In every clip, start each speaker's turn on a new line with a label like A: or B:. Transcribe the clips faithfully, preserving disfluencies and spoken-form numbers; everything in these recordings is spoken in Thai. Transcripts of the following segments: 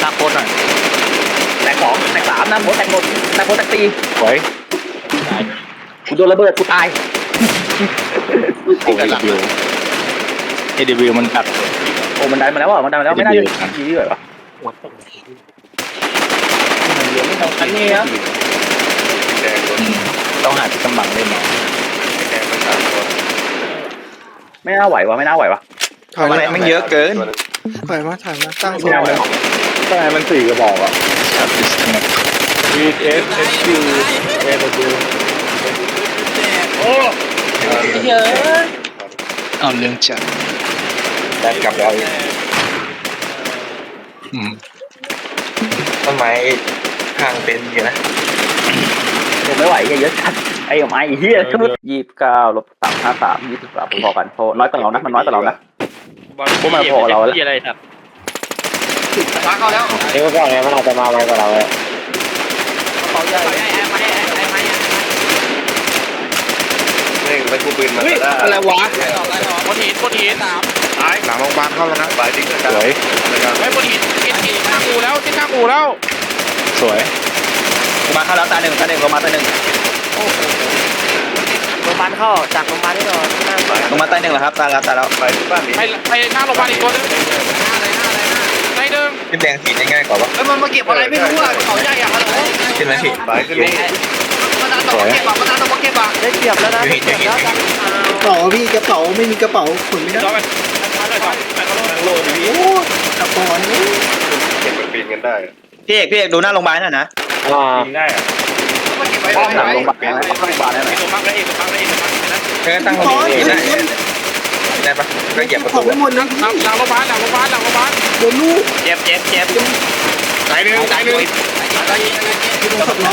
A: าโคตรหน่อย
B: แตกสองแตกสามนะโมแตกหมดแตกหมดแตกสี่
A: สวย
B: กูโดนระเบิดกูตาย
A: โอ้ยวิวเอดวิวมันตัด
B: โอ้มันได้มาแล้วอ่ะมันได้มาแล้วไม่น่าจะยีเลยหรออันนี้ครับ
A: ต้องหาที่กำบังเล่นหน่อย
B: ไม่น่าไหววะไม่น่าไหววะ
C: ถอย
A: อะไร
C: มา
A: มันเยอะเกิน
C: ถอยมาถอยมาตั้งโซ
B: ไม่
C: น
B: น่าเลยทำไมมันสี่กระบอกอ่ะ
A: วีเอฟเอสคิวเอฟดูโอ้
B: เยอะ
A: เอาเรื่องจัด
B: ได้กลับแล้ว
D: ต้นไม้ห่างเป็นอยู่นะ
B: ผมไม่ไหวเยอะจัดไอ้ไม้เฮียยี่สิบเก้าลบสามห้าสามยี่สิบสามพอกันพอน้อยกว่าเรานะมันน้อยกว่าเรานะพวกมันพอเราแล้วอะไรครับมาเข้าแล้วนี่ก็ไงมันอาจจะมาไวกว่าเราเลยเขาใหญ่
D: นี่ไปกูปืนมาได้
A: อะไรวะ
E: บนหินบนหินสาม
D: หลังโรงพยาบาลเข้าแล้วนะไปดิ้งกัน
A: สวย
E: ไม่บนหินกินหินข้างกูแล้วที่ข้างกูแล้ว
A: สวย
B: มาเข้าแล้วตาหนึ่งตาหนึ่งลงมาตาหนึ่ง
F: โรงพยาบาลเข้าจากโรงพยาบาลที่นอน
B: ลงมาตาหนึ่งแล้วครับตาแล้วตาแล้ว
D: ไปที่บ้านนี้
E: ไปไปหน้าโรงพยาบาลอีกตัวนึงในหนึ่ง
D: ขึ้นแดงสีง่ายกว่าปะ
F: แล้วมันมาเก็บอะไรไม่รู้อ่ะเขาใหญ่อะฮัลโหล
D: ขึ้นไหมพี่ไปขึ้นนี่
F: มาตาตกเก็บอ่ะมาตาตกเก็บอ่ะได้เปรียบแล้วนะได้เปรียบแล้วกัน
C: กระเป๋าพี่กระเป๋าไม่มีกระเป๋าขนไม่ได้
E: ย้อนไปมาเลยก่อน
D: โลดี
C: โอ้กระเป๋านี่
D: เก็บปีนกันได้
B: พี่เอกพี่เอกดูหน้าโรงพยาบาลหน่อยนะ
D: ปีนได้อะ
F: มาเก็บไว้
B: ป้อมหลัง
F: ไว้
B: โรงพยาบาลนะโรงพยาบาลนั่นแหละ
E: ตัวมักได้อีกตัวมักได้อีกตัวมักนะ
D: เออตั้ง
C: ขอ
D: ตรง
C: เงิ
D: นี้
C: น
D: ได้ได้ปะก็เหยียบประ
C: ขอ
D: ตู
C: งไปหมดนะ
E: หลังหลังโรงพยาบาลหลังโรงพยาบาลหลังโรงพยาบาล
C: โดนลูก
B: เจ็บเจ็บเจ็บ
D: ตายหนึ่งตายหนึ่ง
C: โดนขับน้อง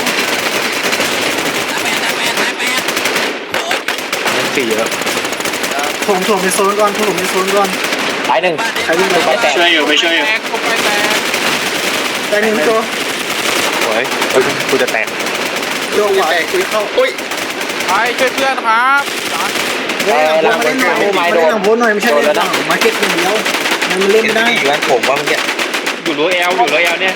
A: ยังสี่เยอะ
C: ถมถมในโซนก่อนถมในโซนก่อน
B: ตายหนึ่ง
C: ใครวิ่งไป
B: แตก
E: ช่วยอยู่ไม่ช่วยอยู่แตกไปแตก
C: แต่หนึ่งตัว
A: สวยกูจะแตก
C: โยกไหวคุยเข้าอุ้ย
E: ไปช่วยเพื่อนครับ
C: เฮ้ยหลังโพสหน่อยมาเล่นหลังโพสหน่อยไม่ใช่เล่นหลังมาเก็ตอย่างเดียวมันเล่น
D: เห็น
C: ไม่ได้
D: พี่อยู่ร้านผมว่าเมื่อกี้
E: อยู่รั้วแอลอยู่รั้วแอลเนี่ย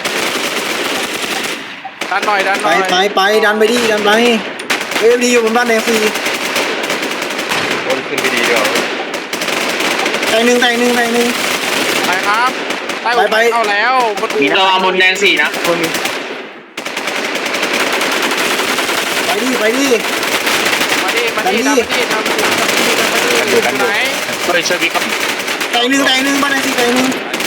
E: ดันหน่อยดันห
C: ไป
E: น่อย
C: ไปไปดันไปดิดันไปเอ้ยดีอยู่บนบ้านแดงฟรี
D: คนขึ้นไปดีเดียว
C: แต่หนึ่งแต่หนึ่งแต่หนึ่ง
E: ไปครับใต้ไปเข้าแล้วบนอู่
B: เราบนแดงสี่นะ
C: ไปดิไปดิ
E: มาดิมาดิทำมาดิทำมาดิทำมาดิอยู่ไหน
A: ช่วยช่วยพี่ครับ
C: แต่หนึ่งแต่หนึ่งบ้านแดงสี่แต่หนึ่ง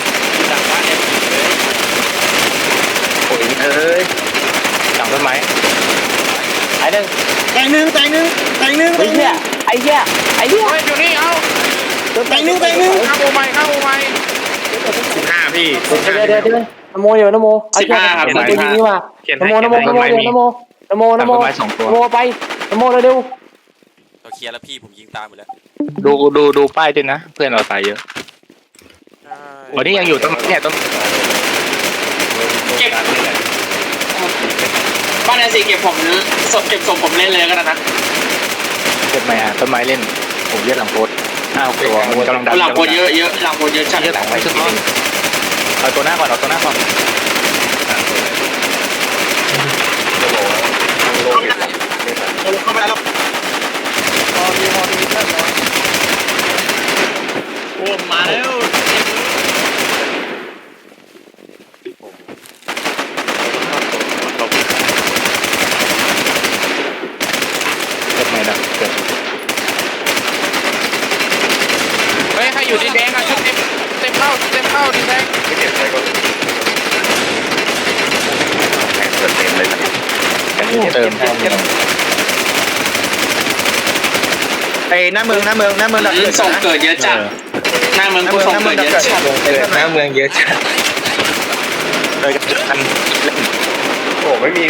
A: โอ้ยเอ้ยหลังต้นไม้
B: ตายหนึ่ง
C: แต่หนึ่งแต่หนึ่งแต่หนึ่ง
B: ไอ้เหี้ยไอ้เหี้ยไอ้เหี้ย
E: เฮ้ยอยู่นี่เอา
C: แต่หนึ่งแต่หนึ่ง
E: ข้าวโมไม้ข้าวโมไม้
A: ห้าพี่
F: เดี๋ยวเดี๋ยวเดี๋ยวนโมเดี๋ยวนโมเอาเชือกเอาตัวยิงนี่มานโมนโมนโมเดี๋ยวนโมนโมนโมนโมไปนโมเร็ว
G: เราเคลียร์แล้วพี่ผมยิงตามหมดแล้ว
A: ดูดูดูป้ายด้วยนะเพื่อนเราตายเยอะวันนี้ยังอยู่ต้นเนี่ยต้น
F: บ้านแดงสี่เก็บผมศพเก็บศพผมเล่นเลยก็ได้นะ
A: เก็บไม้ฮะต้นไม้เล่นผมเยอะหลังโพสห้าตัวมันกำลังดัน
F: หลังโคเยอะเยอะหลังโคเยอะชัด
A: เยอะหลังไปขึ้นเอาตัวหน้าก่อนเอาตัวหน้าก่อน
D: เข้าไปแล้ว
E: พอดีพอดีเพื่อน
F: โอ้มาแล้ว
A: เก็บไม้ดักเกิด
E: เฮ้ยให้อยู่ดีแดงอ่ะชุดเต็มเต็มเข้าเต็มเข้าดีแดง
D: ไม่เก็บใช้ก่อนแข่งเปิดเต็มเลยนะ
A: เติม
B: ไอ้หน้าเมืองหน้าเมืองหน้าเมืองหลัก
F: ส่งเกิดเยอะจัดหน้าเมืองกูส่งเกิดเยอะจัด
D: เกิดหน้าเมืองเยอะจัด
A: เลยจุดกันเล่น
D: โอ้ไม่มี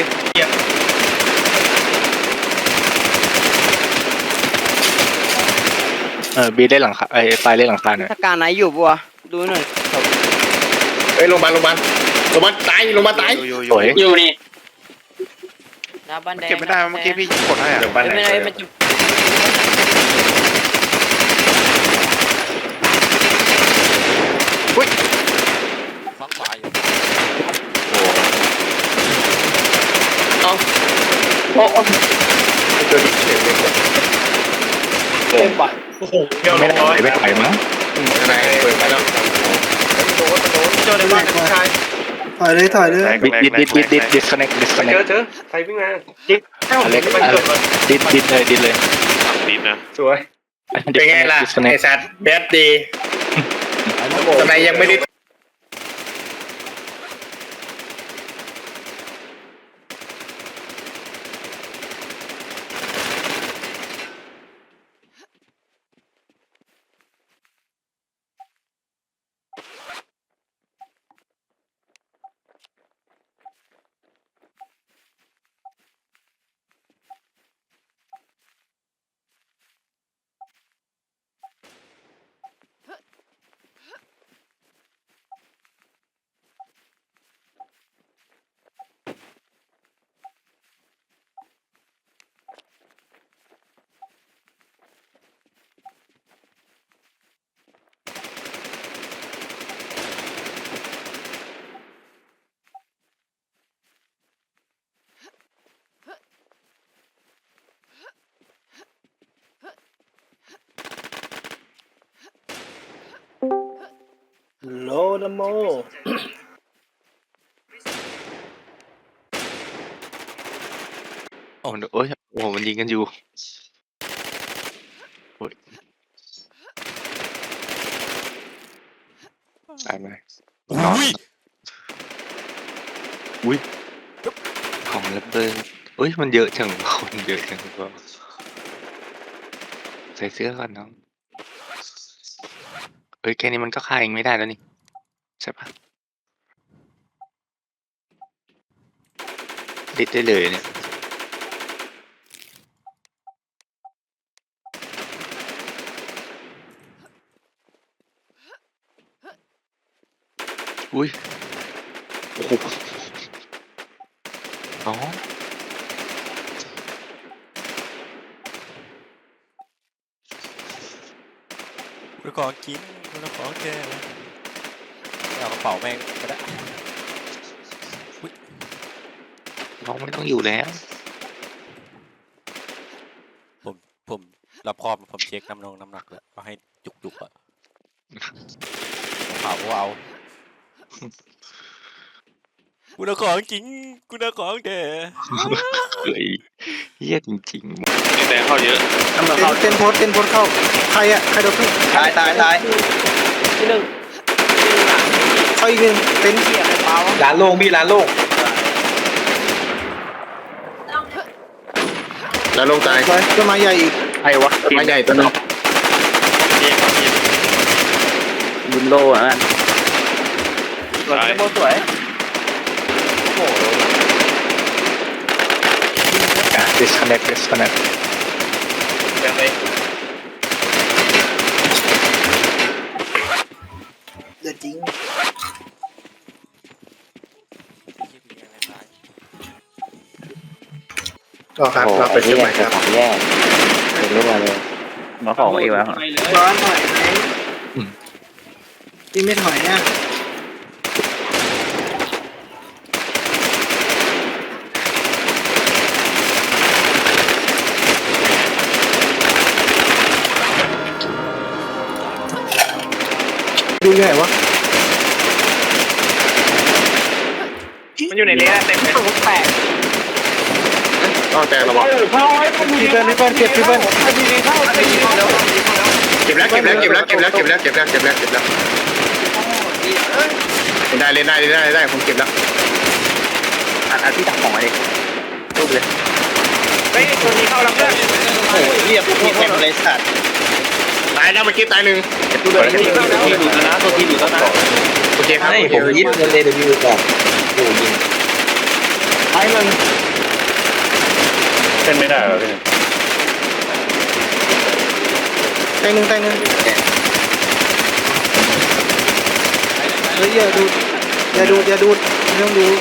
A: เออบีได้หลังคาไอ้ปลายเล่นหลังคาหน่อย
F: ถ้าการไหนอยู่บัวดูหน่อย
D: เฮ้ยโรงพยาบาลโรงพยาบาลโรงพยาบาลตายโรงพยาบาลตาย
A: สวย
F: อยู่นี่
E: เก็บไม่ได้เมื่อกี้พี่กดให้อ่ะ
D: เดี๋ยวบ้านไหน
F: ไม่ได้มันจะ
G: ฟังขวาอยู่
D: ตัวนี้เฉยเลย
F: เต็มปะ
D: โอ้โหเที่ยวลงร้อยไม่ไหวมั้งอะไรเปิดมาแล้วโดนโดนเจอในบ้านชาย
C: ถอยเลยถอยเลย
A: ดิดดิดดิดดิดดิด disconnect
D: เจ
A: disconnect
D: อเจอใครวิ่งมาจิ๊กเอ้าเล็กไปจบก่อน
A: ดิดดิดเลยดิดเลย
E: ดินนะ
D: สวยเป็นไงล่ะไอสัตว์แบดดีทำไมยังไม่ได้โลนโม
A: โอ้โหโอ้ยโอ้โหมันยิงกันอยู่โอ้ยตายไหม
G: อุ้ย
A: อุ้ยของระเบิดอุ้ยมันเยอะจังคนเยอะจังก็ใส่เสื้อก่อนน้องเอ้ยแค่นี้มันก็ฆ่าเองไม่ได้แล้วนี่ใช่ปะดิดได้เลยเนี่ยอุ้ยโอ้โหอ๋อ
G: กูขอกินกูขอแกเอากระเป๋าแม่งก็ได้
A: น้องไม่ต้องอยู่แล้ว
G: ผมผมรับครอบผมเช็คน้ำนองน้ำหนักแล้วก็ให้จุกจุกๆอะผมเผาก็เอากูน่ะของจริงกูน่ะของแก
A: เฮ้ยเฮี้ยจริง
E: นี่แดงเข้าเยอะ
C: เต้นเต้นโพสเต้นโพสเข้าใครอ่ะใครโดนขึ้น
B: ตายตายตาย
F: ที่หนึ่ง
C: เข้าอีกหนึ่งเต้น
B: ร้านโล่งพี่ร้านโล่ง
D: แล้วลงตาย
C: ถอยต้นไม้ใหญ่อีก
B: ใครวะ
D: ไม้ใหญ่ตัวนึง
B: บุญโลอ่ะ
F: สวยโมสวย
A: ๆอ่ะ disconnect disconnect
E: ยังไง
C: เดือดจริง
D: ก็ครับเราไปเชียงใหม่ครับ
B: ของแย่เป็นเรื่องอะไรเลยมาของเองวะ
C: ร้อนถอยไหมพี่ไม่ถอยอ่ะดูยังไงวะ
E: มันอยู่ในนี้เต็มเลย
F: แปด
D: ต้องแต่ระวัง
C: พี่เปิ้ลพี่เปิ้ลเก็บพี่เปิ้ล
D: เก็บแล้วเก็บแล้วเก็บแล้วเก็บแล้วเก็บแล้วเก็บแล้วเก็บแล้วเก็บแล้วได้เลยได้เลยได้ได้ผมเก็บแล้ว
B: อันอันที่ตักของมาดิรูปเลย
E: เฮ้ยตัวนี้เข้าแล้วเพื่อน
B: โอ้ยเรียบพี่แทงเลยสัตว์
D: ตายแล้วเมื่อกี้ตายหนึ่ง
B: ตัวเดิมที่ดูแล้วนะตัวที่ดูแล้วนะ
D: โอเคครับ
B: ผมยิงเงินเลยเดี๋ยวดูก่อนโอ้ยิง
C: ท้ายมัน
A: เป็นไม่ได้เหรอพี่
C: แตงหนึ่งแตงหนึ่งเฮ้ยอย่าดูอย่าดูอย่าดูไม่ต้องดู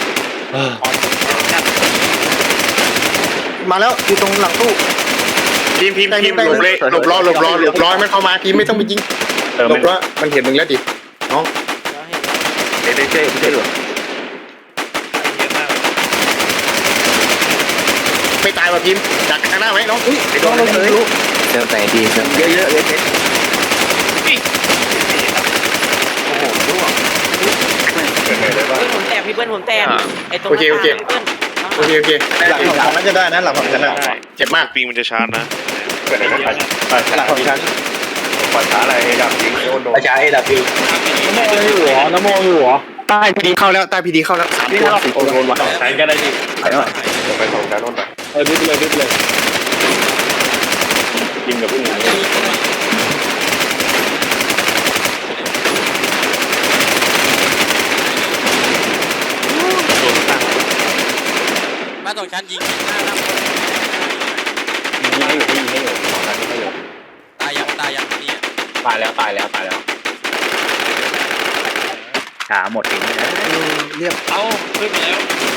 C: มาแล้วอยู่ตรงหลังตู้
D: ทีมทีมทีมหลบเลยหลบรอหลบรอหลบรอมันเข้ามาทีมไม่ต้องไปยิงหลบรอมันเห็นมึงแล้วดิน้อง
B: เดี๋ยวเจ๊เจ๊หรอ
E: เยอะมาก
D: ายว่ะพิมพ์ดักข้างหน้าไหมน้องอุ้ยไปโด
C: ต้อง
D: น
C: เรา
D: เล
C: เลย ย
F: เจอแต่ดีครับ
B: เยอะเยอะเลย
E: โอ้โหร่วง
D: เกิดอะไรได้บ้าง
H: ผมแตกพี่เบิ้ลผมแตกไอ้ตรง
D: โอเคโอเค
H: พี่เบิ้ล
D: โอเคโอเค
C: หลังของฉันน่าจะได้นะหลังของฉันน่ะ
D: เจ็บมาก
A: ปิงมันจะชาร์จนะ
D: เกิดอะไรได้บ้าง
C: หลังของฉัน
D: ปัญหาอะไรดับยิงโดนโดน
C: อาจารย์เอดับบิว
B: น้ำโมอยู่หัวน้ำโมอยู่หัว
D: ใต้พีดีเข้าแล้วใต้พีดีเข้าแล้วสาม
B: นี่
D: ตัว
B: เรา
D: สี่
B: โด
D: ตัวน
B: ว่ะ
A: ใช้ก็ได้ดิ
B: ไปหน่อย
D: ไปสองการโน่นไป
A: เออดึ๊บเลยดึ๊บเลยกินกับผู้หญิง
G: บ้านสองชั้นยิงหน้าหน้า
A: ยิงให้อยู่ยิงให้อยู่สองนัดยิงให้อยู่
G: ตายยังตายยังนี่
A: ตายแล้วตายแล้วตายแล้ว
B: ขาหมดเองนะ
C: เรียบ
E: เอ้าขึ้นไปแล้ว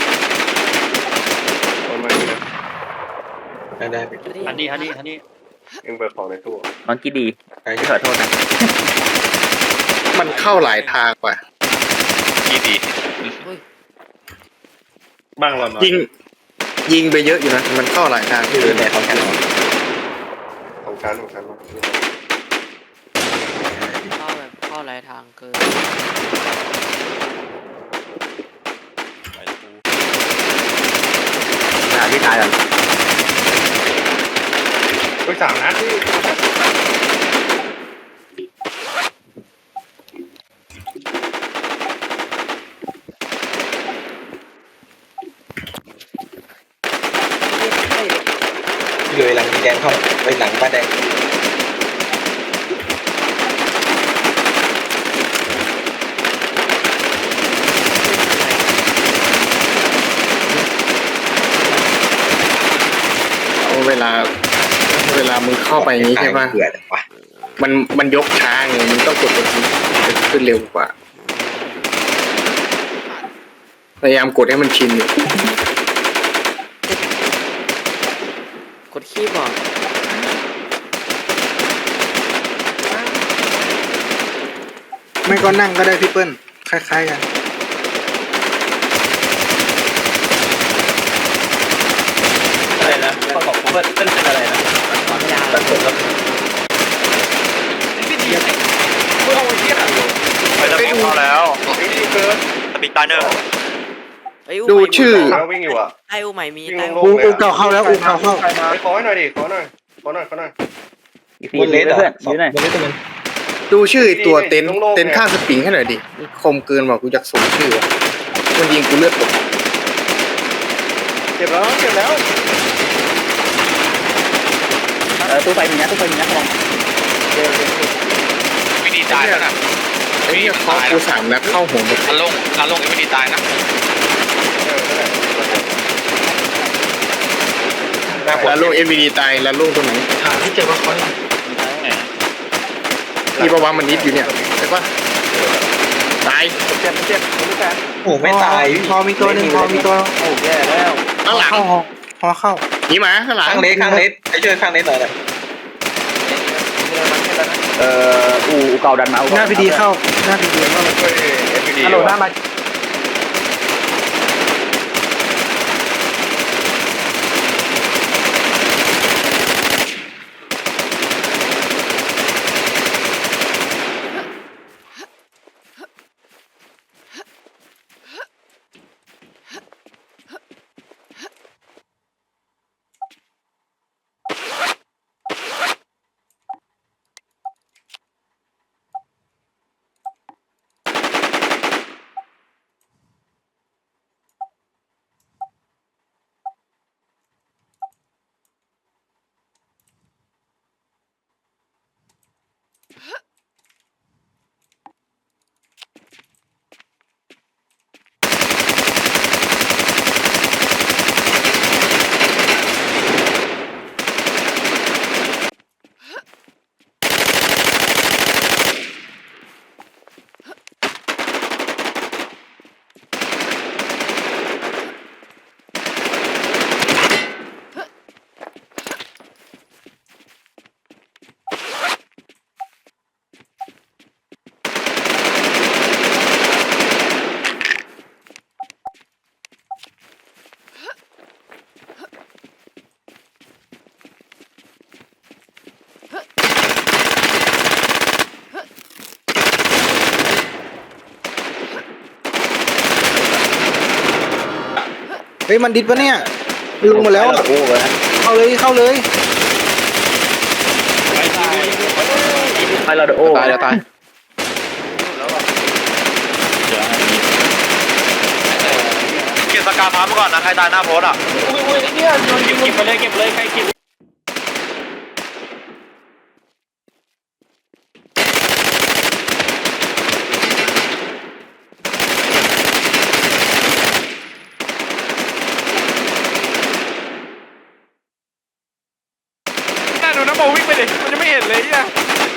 D: โดนมาดีนะ
C: ได้ได้
A: ฮันนี่ฮันนี่ฮันนี่
D: เอ็งเปิดของในตู้
B: มันกี่ดีขอโทษนะ
D: มันเข้าหลายทางกว่า
E: ดีดี
A: บ้างเราหน่อย
D: ยิงยิงไปเยอะอยู่นะมันเข้าหลายทางที่
C: คือแต่ของฉัน
D: ของชั้นของชั้น
H: เข้าแบบเข้าหลายทางเกิน
B: หาที่ตายกัน
D: ไปสามนัด
C: เลยหลังแดงเข้าไปหลังบ้านแดง
D: เอาเวลาเวลามึงเข้าไปอย่างนี้ใช่ป่ะ
C: เกลือวะ
D: มันมันยกช้าไงมึงต้องกดตัวนี้จะขึ้นเร็วกว่าพยายามกดให้มันชินอยู่
H: กดขี้บอก
C: ไม่ก็นั่งก็ได้พี่เปิ้ลคล้ายๆกัน
B: อะไรนะเขาบอกเพื่อนเพื่อนเป็นอะไรนะ
H: ยาว
B: ตัดผมแล้ว
E: ไปแล้วเข้าแล้วสปีดตาเนอร์
D: ดูชื่อ
H: วิ่งอยู่อ่ะไออูใหม่มีไออู
C: อูอูเก่าเข้าแล้วอูเก่าเข้า
D: ขอให้หน่อยดิขอหน่อยขอหน่อยขอหน่อย
B: อีกทีเพื่อนยืนหน่อย
C: บนเลสตัวนึง
D: ดูชื่อตัวเต็นท์เต็นท์ข้างสปริงให้หน่อยดิคมเกินว่ะกูอยากส่งชื่อมันยิงกูเลือดตกเก็บแล้วเก็บแล้ว
B: เออตู้ไฟมีนะตู้ไฟมีนะลอง
E: วิธีตายแล้วนะ
D: ไอ้เนี่ยเขากูสามนัดเข้าหัวหมด
E: การลงการลงวิธีตายนะ
D: แล้วลูกเอ็มวีดีตายแล้วลูกตัวไหน
C: หาที่เจอว่าเขา
D: นี่ประวังมันนิดอยู่เนี่ยใช่ปะตายเจ็บเจ็บ
C: โอ้ไม่ตายพอมีตัวนึงพอมีตัว
B: โอ้แย่แล้ว
D: ข้างหลัง
C: เข้าพอเข้า
D: หนีมาข้างหลัง
C: ข้างเลสข้างเลสไปช่วยข้างเลสหน่อยเลย
B: เอ่ออู่เก่าดันมา
C: หน้าพีดีเข้าหน้าพีดีเข้า
B: ฮัลโหลหน้ามา
C: เฮ้ยมันดิดปะเนี่ยลงมาแล้วอะ
B: โอ้โหนะ
C: เข้าเลยเข้าเลย
B: ไปเราเดโอ้
E: ตายจะตาย
A: เก็บสกาฟ้ามาก่อนนะใครตายหน้าโพสอ่ะ
F: อุ้ยไอ้เนี่ยโดนยิง
A: เก็บไปเลยเก็บเลยใครเก็บ
E: น่าดูน้ำโมวิ่งไปดิมันจะไม่เห็นเลยเนี่ย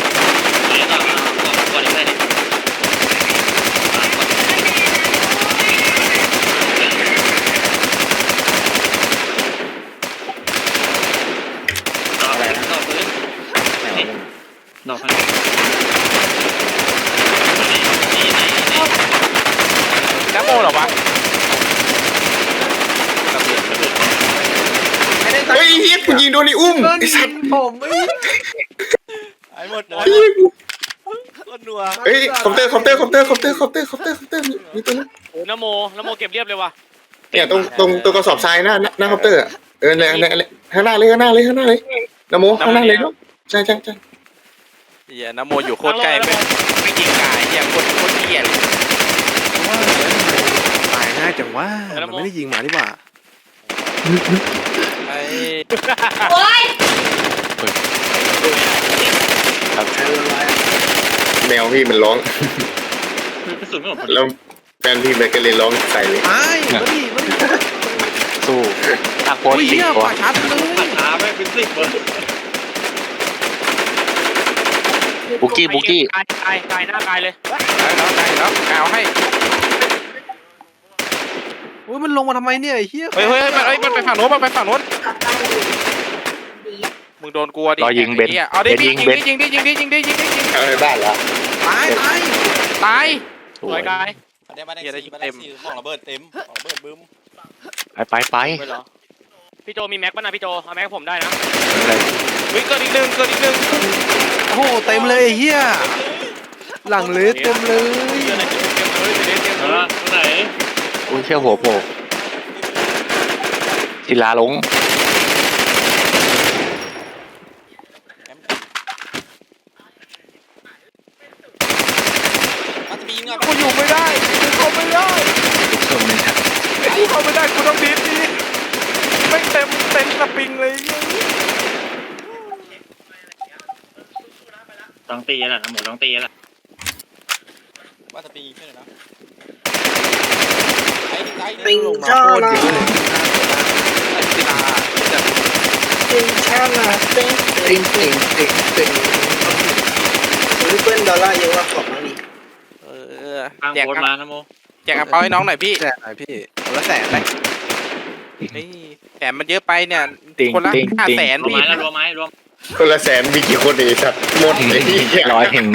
E: น้ำโมเหรอวะ
D: เฮ้ยเฮียกูยิงโดนไอ้อุ้มไอ้สัตว์
C: ผมเอ้ย
G: ไอ้หมดหมด
D: เฮ้ยกู
G: คนนัว
D: เฮ้ยคอมเตอร์คอมเตอร์คอมเตอร์คอมเตอร์คอมเตอร์คอมเตอร์คอมเตอร์มีมีตัวนึง
A: โอ้น้ำโมน้ำโมเก็บเรียบเลยว่ะ
D: เนี่ยตรงตรงตรงกระสอบทรายหน้าหน้าคอมเตอร์อะเออเนี่ยเนี่ยข้างหน้าเลยข้างหน้าเลยข้างหน้าเลยนะโมข้างหน้าเลยเนาะใช่ใช่ใช่
G: เหี้ยน้ำโมอยู่โคตรใกล้ไม่ไม่ยิงกายเหี้ยโคตรโคตรเหี้ยเลย
C: ตายง่ายจังว่ามันไม่ได้ยิงหมานี่หว่า
G: ไอ้
D: แมวพี่มันร้องแล้วแฟนพี่มันก็เลยร้องใส่เลย
C: ตายมาดิมาดิ
B: สู้ตะโกน
C: โอ้ย
B: สิ
C: เหี้ย
B: ตัว
C: ป่าชัดเลย
B: บุกี้บุกี้
A: ตายตายตายหน้ากายเลย
E: ตายแล้วตายแล้วกาวให้
C: โอ้ยมันลงมาทำไมเนี่ยไอ้เหี้ย
E: เฮ้ยเฮ้ยมันเฮ้ยมันไปฝั่งโน้นมันไปฝั่งโน้นมึงโดนกลัวดิ
B: รอยิงเบน
E: หี้ยเอาดิ
B: เบน
E: ยิ
B: ยิ
E: ง
B: ง
E: ดิ
B: เบน
E: ยิงดิยิงดิยิงดิยิงดิยิงดิ
D: เอาไปบ้านเหรอ
C: ตายตาย
E: ตาย
A: สวยกาย
G: มาได้มาได้สี่มาได้สี่ของระเบิดเต็มของระเบิดบึ้ม
B: ไปไปไป
A: ไปเหรอพี่โจมีแม็กป่ะนะพี่โจเอาแม็กผมได้นะ
E: เฮ้ยเกิดอีกหนึ่งเกิดอีกหนึ่ง
C: โอ้โหเต็มเลยไอ้เหี้ยหลังเลยเต็มเลย
A: เดี๋ยวไหนเก็บเลยเดี๋ยวเก็บเลย
F: ไหน
B: อุ้ยเชี่ยวหัวโผล่ศิลาลง
G: มันจะมียิงอ่ะ
E: กูอยู่ไม่ได้กูเข้าไม่ได้กูเข้าไม่ได้กูต้องดิสดิไม่เต็มเต็มสปริงเลย
F: ต้องตีแหละหมูต้องตีแหละ
G: ว่าจะปีขึ้นเลยนะไอ้ดิไอ้
C: ติง
G: ลงมา
C: ชา
G: โคตร
C: ลา
G: เยอะเลย
E: ศิลา
C: ติงชาลาติงติงติงติงติงริปเปิลดอลลาร์เยอะว่าของนี่
E: เออ
F: ทาง
E: แจก
F: โคตรมานะโม
E: แจกกระเป๋าให้น้องหน่อยพี่
C: แสนหน่อยพี่คนละแสนเลย
E: นี่แสนมันเยอะไปเนี่ย
B: ติง
E: คนละ
B: ติง
E: ห้า
B: ติง
E: แสน
F: รวม
E: พี่
F: ไม้แล้วรวมไม้รวม
D: คนละแสนมีกี่คนเองสัตว์หมดเลยเหี้ย
B: ร้อยเห็น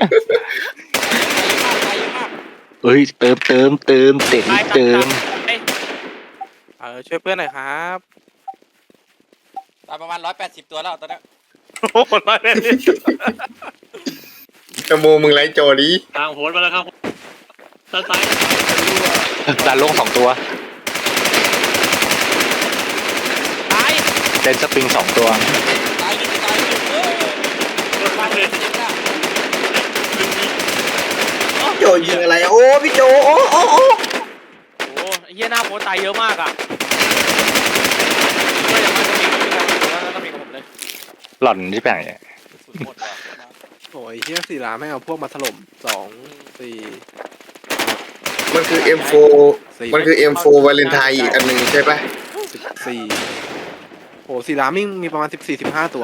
B: เอ้ยเติมเติมเติมเต็มเติม
E: เออช่วยเพื่อนหน่อยครับ
G: ตายประมาณร้อยแปดสิบตัวแล้วตอนนี้
E: โอ้โหร้อยเลย
D: นะโมมึงไล่โจดิ
F: ทางโคตรมาแล้วครับซ้ายซ้าย
B: ดานลงสองตัว
A: ตาย
B: เดนสปริงสองตัว
G: ตายดิตายดิเออ
F: มาเลย
C: โจยิงอะไรโอ้พี่โจโอ้โอ้โอ้
A: โอ้เฮียหน้าโพตายเยอะมากอ่ะก็อย่างนั้นจะมีแล้วก็มีกับผมเลย
B: หล่อนที่แปลงเนี่ย
G: สุดหมดว่ะ
C: โอ้ยเฮียสี่ล้านไม่เอาพวกมาถล่มสองสี่
D: มันคือ เอ็ม โฟร์ มันคือ เอ็ม โฟร์ วาเลนไทน์อีกอันหนึ่งใช่ปะ
C: สิบสี่โอ้สี่ล้านมิ่งมีประมาณสิบสี่สิบห้าตัว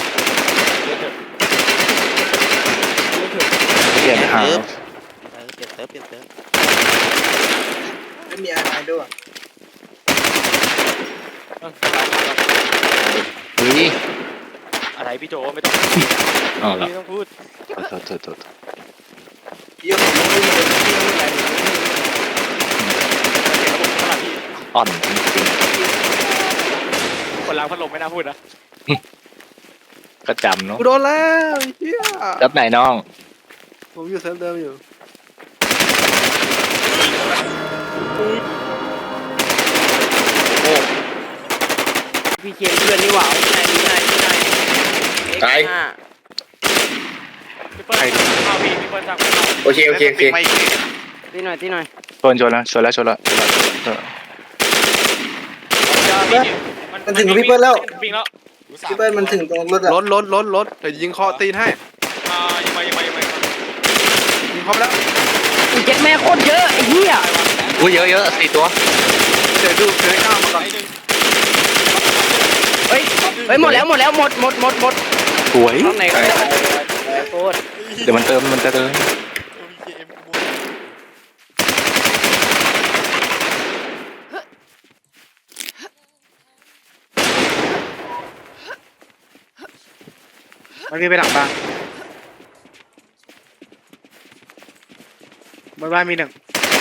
B: เปลี่ยนหา
G: เปลี่ยนเติมเปลี่ยนเติม
C: ไม่มีอะไรด้วย
B: เฮ้ย
A: อะไรพี่โจไม่ต้อง
B: อ๋อเหรอ
A: ไม่ต้องพูด
B: โทษโทษโทษ
C: เยอะของไม่มีเลย
B: อ่อนจริง
A: คนล้างพัดลมไม่น่าพูดนะ
B: ๆก็จำเนาะ
C: กูโดนแล้วเฮีย
B: รับไหนน้อง
C: ผมอยู่เซฟเดิมอยู่
B: โ
H: เคนเพื่อนนี่หว่าที่ไหนที่ไหนที่ไหน
D: ตาย
A: พี่เปิ้ลเข้าพี่พี่เปิ้ลสั่งเข้า
D: โอเคโอเคโอเค
H: ที่หน่อยที่หน่อย
E: ชนชนแล้วชนแล้วชนแล้วชนแล้ว
C: มันถึงพี่เปิ้ลแล้ว
A: ปิงแล้ว
C: พี่เปิ้ลมันถึงตรงรถอะ
E: รถรถรถรถเดี๋ยวยิงคอตีนให้
A: อ่ายังไงยังไงยังไง
E: ยิงคอไปแล้ว
H: อุ้ยเจ็ดแม่โคตรเยอะไอ้เหี้ย
B: อุ้ยเยอะเยอะสี่ตัว
E: เดี๋ยวดูเดี๋ยวข้ามมาก่อน
H: เฮ้ยเฮ้ยหมดแล้วหมดแล้วหมดหมดหมดหมด
E: สวย
H: ข้างในก็ได้โคตร
E: เดี๋ยวมันเติมมันจะเติม
C: มันวิ่งไปหลังบ้านบนบ้านมีหนึ่ง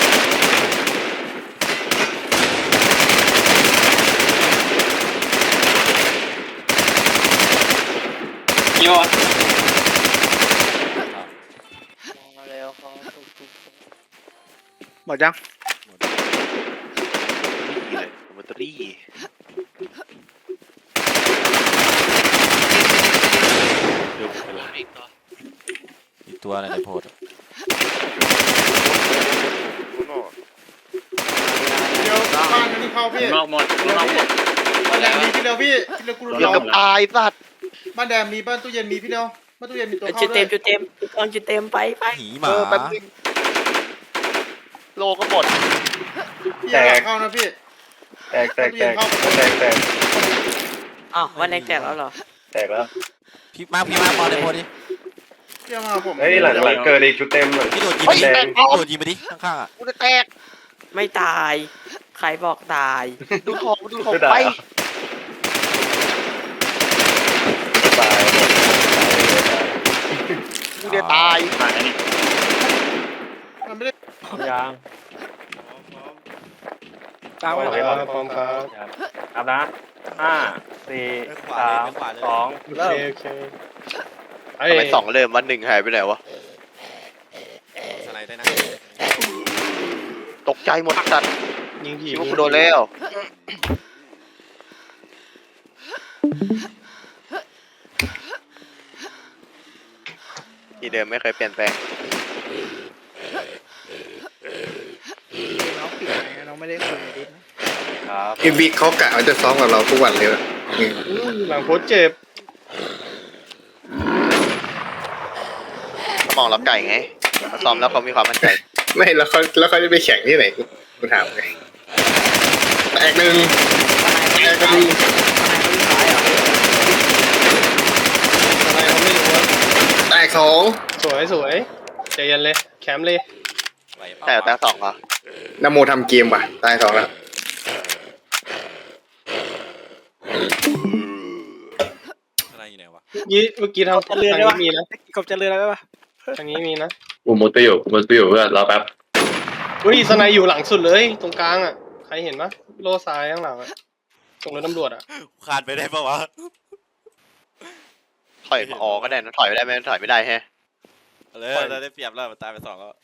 H: มาแล้วเขาทุก
C: หมดยัง
E: แบตเตอรี่
G: อีกตัวอะไรในโพสต์
D: เดี๋ยวบ้านนี่เข้าพี่
B: นอกหมดนอกหมด
D: บ้านแดงมีพี่เดียวพี่พี่เดียวกูรู้
E: เดี๋ยวกับตายสัตว์
D: บ้านแดงมีบ้านตู้เย็นมีพี่เดียวบ้านตู้เย็นมีตัว
H: ๆ
D: เข้า
H: จุด
D: ด้
H: เต็
D: ว
H: ม
D: ย
H: จุดเต็มตอนจุดเต็มไปไป
G: หนีห
E: เอ
G: มา
E: อแป๊บนึงโลก็หมด
D: พี่อย่าเข้านะพี่
E: แตกแตกแตกแตกแตก
H: อ้าววันแรกแจกแล้วเหรอ
E: แตกแล้ว
G: พี่มาพี่มาบอลในโพสต์ดิ
D: พี่เอามาผม
E: เฮ้ยหลังหลังเกิดอีกชุดเต็มเลย
G: พี่โดดยิงไปดิพี่โดดยิงไปดิข้างๆอ่ะ
E: กูจะแตก
H: ไม่ตาย ใครบอกตาย
E: ดูของดูของไปตายกูจะตายหายนี่
D: มันไม่ได้
A: ยาง
E: ตายไปแล้วพร้อมครับ
A: ครับนะห้าสี่สามสอง
E: โอเคโอเค
I: ทำไมสองเริ่มวันหนึ่งหายไปไหนวะ
G: สไลด์ได้นะ
I: ตกใจหมดจัด
E: ยิงผี
I: คิดว่ากูโดนแล้วที่เดิมไม่เคยเปลี่ยนแปลง
C: น้องปิดไหนน้องไม่ได้คุยดิ
A: ครับ
D: อีวิกเขากะว่าจะซ้อมกับเราทุกวันเลยอะอืม
E: หลังโพสเจ็บ
I: สมองรับไก่ไงมาซ้อมแล้วเขามีความมั่นใจ
D: ไม่แล้วเขาแล้วเขาจะไปแข่งที่ไหนกูกูถามไงแตกหนึ่งแตกหนึ่งแตกสอง
E: สวยสวยใจเย็นเลยแคมป์เลย
G: ไหวเปล่า
I: แต่แต่สองเหรอน
D: โมทำเกมว่ะตายสองแล้ว
G: อะไรอยู่ไหนวะ
E: ยี่เมื่อกี้ทางทางนี้มีนะ
C: กบจะเรืออะไรปะ
E: ทางนี้มีนะ
A: กูมุดไปอยู่กูมุดไปอยู่เพื่อนรอแป๊บ
E: อุ้ยสไนอยู่หลังสุดเลยตรงกลางอ่ะใครเห็นปะโล่ซ้ายข้างหลังอ่ะตรงรถตำรวจอ่ะ
G: คานไปได้ปะวะ
I: ถอยมาออกก็ได้นะถอยไม่ได้ไหมถอยไม่ได้แฮะ
G: เลยเราได้เปรียบแล้วมันตายไปสองแล้ว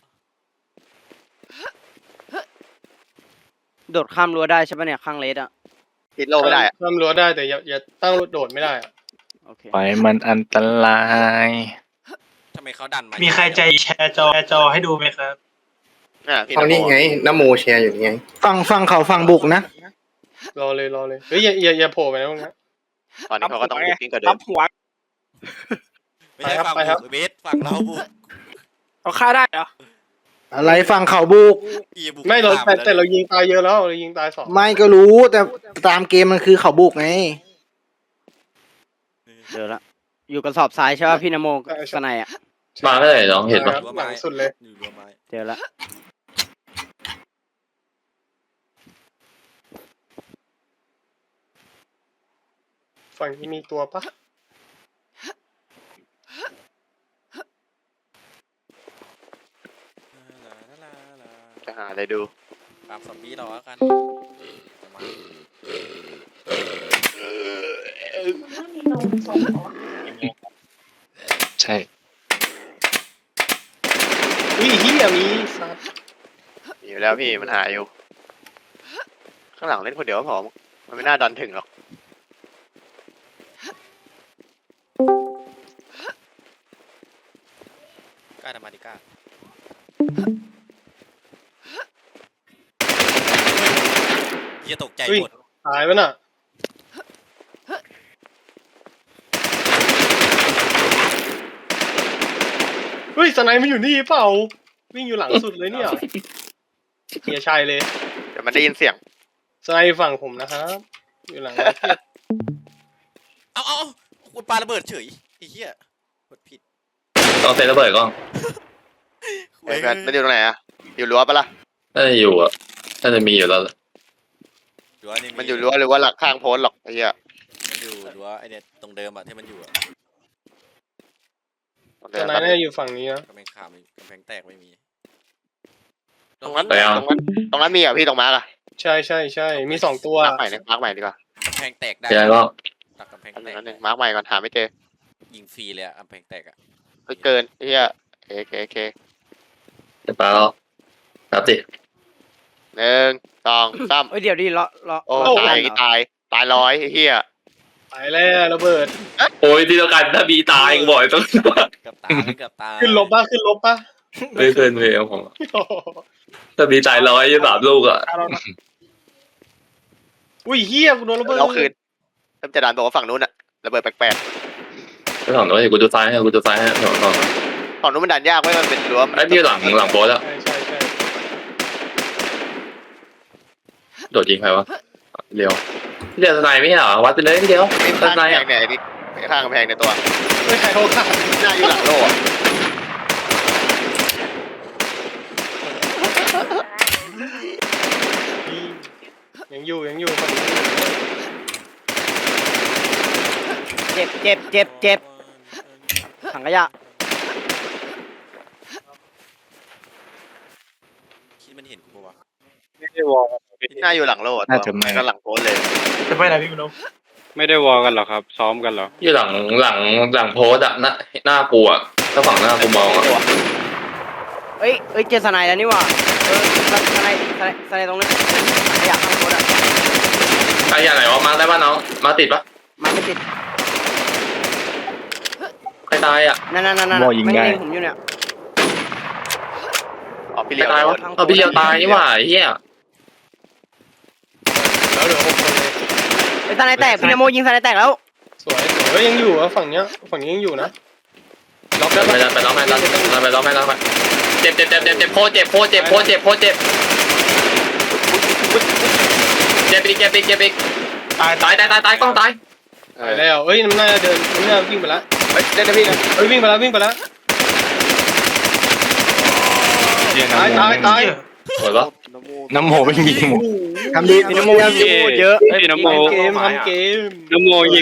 H: โดดข้ามรั้วได้ใช่ปะเนี่ยข้างเลสอ่ะ
I: ติดโลไม่ได้อะ
E: ทำรั้วได้แต่อย่าอย่าตั้งรถโดดไม่ได้อ่ะ
H: โอเค
E: ไปมันอันตราย
G: ทำไมเขาดันมา
J: มี
G: มี
J: ใครใจแชร์จอแชร์จอให้ดูไหมครับ
I: อ่ะพี่
D: เอา
I: น
D: นี่
I: โม
D: ไงนโมแชร์อยู่นี่ไง
C: ฝั่งฝั่งเขาฝั่งบุกนะ
E: รอเลยรอเลยเฮ้ยอย่าอย่าอย่าโผล่ไปนะพวกนี้
I: ตอนนี้เขาก็ต้องบุกยิ่งกว่าเดิ
C: รั
I: ม
C: บหัว
G: ไม่ใช่ฝั่ง
E: ไปครับ
G: บุกเบสฝั่งเราบุก
C: เขาฆ่าได้เหรออะไรฝั่งเขาบุก
G: อีบุก
E: ไม่เรา
G: ต
E: แต่
G: ป
E: แต่เรายิงตายเยอะแล้วเรายิงตายสอง
C: ไม่ก็รู้แต่ตามเกมมันคือเขาบุกไง
H: เจอละอยู่กระสอบทรายใช่ป่ะพี่นโมสไนอ่ะ
A: มาเมื่อไหร่น้องเห็นปะ
E: ครับหลังสุดเลย
G: อยู่รั้วไม้
H: เจอละ
E: ฝั่งนี้มีตัวปะ
I: จะหาอะไรดู
G: ตามสปีดเราแล้วกันมา
E: ใช่อุ้ยเฮียมีสัตว์
I: มีอยู่แล้วพี่มันหาอยู่ ข้างหลังเล่นคนเดียวก็พอมันไม่น่าดันถึงหรอก
G: ล้าทำมาดิก้าเฮียตกใจหมด
E: ตายปะน่ะเฮ้ยสไนมันอยู่นี่เปล่าวิ่งอยู่หลังสุดเลยเนี่ยเฮียชัยเลย
I: เดี๋ยวมันได้ยินเสียง
E: สไนฝั่งผมนะครับอยู่หลังมาร์เก็ต
G: เอาเอาคุณปาระเบิดเฉยไอ้เหี้ยกดผิด
A: ต้องเซตระเบิดก่อน
I: เฮ้ยมันมันอยู่ตรงไหนอะอยู่รั้วปะล่ะ
A: น่าจะอยู่อ่ะน่าจะมีอยู่แล้ว
G: รั้วนี่
I: มันอยู่รั้วหรือว่าหลักข้างโพสต์หรอกไอ้เหี้ย
G: มันอยู่รั้วไอเนี่ยตรงเดิมอะที่มันอยู่อะ
E: สไนน่าจะอยู่ฝั่งนี้นะ
G: กำแพงขามกำแพงแตกไม่มี
I: ตรงนั้นตรงนั้นตรงนั้นมีอ่ะพี่ตรงมาร์กอะ
E: ใช่ใช่ใช่มีสองตัว
I: มาร์กใหม่เนี่ยมาร์กใหม่ดีกว่าก
G: ำแพงแตกได้
A: เดี๋ยวก็
G: ตักกำแพง
I: อัน
G: แต
I: นึง
G: ก
I: อันนึงมาร์กใหม่ก่อนหาไม่เจอ
G: ยิงฟรีเลยอะกำแพงแตกอะ
I: ไม่เกินไอ้เหี้ยเคเคเค
A: จะปาแล้วครับสิ
I: หนึ่งสองสาม
H: เอ้ยเดี๋ยวดิรอรอ
I: โอ้
H: รอ
I: ตาย
H: เหรอ
I: ตายตายร้อยไอ้เหี้ย
E: ไปแล้วระเบิด
A: โอ้ยที่ต้องการถ้าบีตายบ่อยต้อง
G: เกือบตายเกือบตาย
E: ขึ้นลบป่ะขึ้นลบป่ะ
A: ไม่เคยเลยผม
E: โอ้โห
A: ถ้าบีตายร้อยยี่สามลูกอ่ะ
E: อุ้ยเฮียกูโดนระเบิด
I: เราคืนเริ่มจะดันบอกว่าฝั่งนู้นอะระเบิดแปลก
A: ไปฝั่งโน้นกูดูซ้ายให้กูดูซ้ายให้ฝั่งฝั่ง
I: ๆฝั่งนู้นมันดันยากไว้ยมันเป็นรั้ว
A: ไอ้พี่หลังหลังโบสอ่ะ
E: ใช่ใช่ใช่
A: โดดยิงใครวะเร็วพี่เดียวสไนไม่ใช่เหรอวัดไปเลยพี่เดียว
I: นี่
A: ส
I: ข้าง
A: ไน
I: กำแพ
A: อ่ะ
I: งเนี่ยไอ้นี่ข้างกำแพงในตัว
E: ไม่ใครเขาขาด
I: หน้าอยู่หลังโล่อะ
E: ยังอยู่ยังอยู่ฝั่งนี้
H: เจ็บเจ็บเจ็บเจ็บถังขยะ
G: คิดมันเห็นกูปะวะ
I: หน้าอยู่หลังโล่อะตัวมันก็หลังโพสต์เลย
J: จะไปไหนพี่มโน
F: ไม่ได้วอกันหรอครับ ซ้อมกันหรอ
A: อยู่หลังหลังหลังโพสอ่ะหน้าหน้ากูอ่ะถ้าฝั่งหน้ากูมองอ่ะ
H: เอ้ยเอ้ยเจอสไนแล้วนี่หว่าเออสไนสไนสไนตรงนี้ถังขยะข้างรถอะ
A: ใครอย่างไหนวะมาได้ป่ะน้องมาติดปะ
H: มันไม่ติด
A: ใครตายอ่ะ
H: นั่นนั่นนั่นนั่นไม่ได้ผมอยู่เนี่ย
I: อ๋อพี่
A: ใคร
I: เลี้ยว
A: ตายวะเอาพี่เดียวตายนี่หว่าไอ้เหี้ย
E: แล้วเหลือหกคนเลย
H: ไอ้สไนแตกพี่นโมยิงสไนแตกแล้ว
E: สวยสวยเฮ้ยยังอยู่อะฝั่งเนี้ยฝั่งนี้ยังอยู่นะ
A: ล็อกไปแล้วไปล็อกไปล็อกไปล็อกไปล็อกไปเจ็บเจ็บเจ็บเจ็บเจ็บโคตรเจ็บโคตรเจ็บโคตรเจ็บโคตรเจ็บเจ็บอีกเจ็บอีกเจ็บอีกตายตายตายตายตายกล้องตาย
I: เอ
E: ไป
I: อ
E: แล้วเอ้ยมันน่าจะเดินมันน่าจะวิ่งไปแล้ว
I: เฮ้ยเล่นนะพี่นะ
E: เฮ้ยวิ่งไปแล้ววิ่งไปแล้วตายตายตาย
A: สวยปะ
F: น้ำโมไม่มีหมด
E: ทำดี
H: พี่นโมยิงเยอะ
F: พี่น้ำโม
E: เกมทำเกม
F: น้ำโมยิง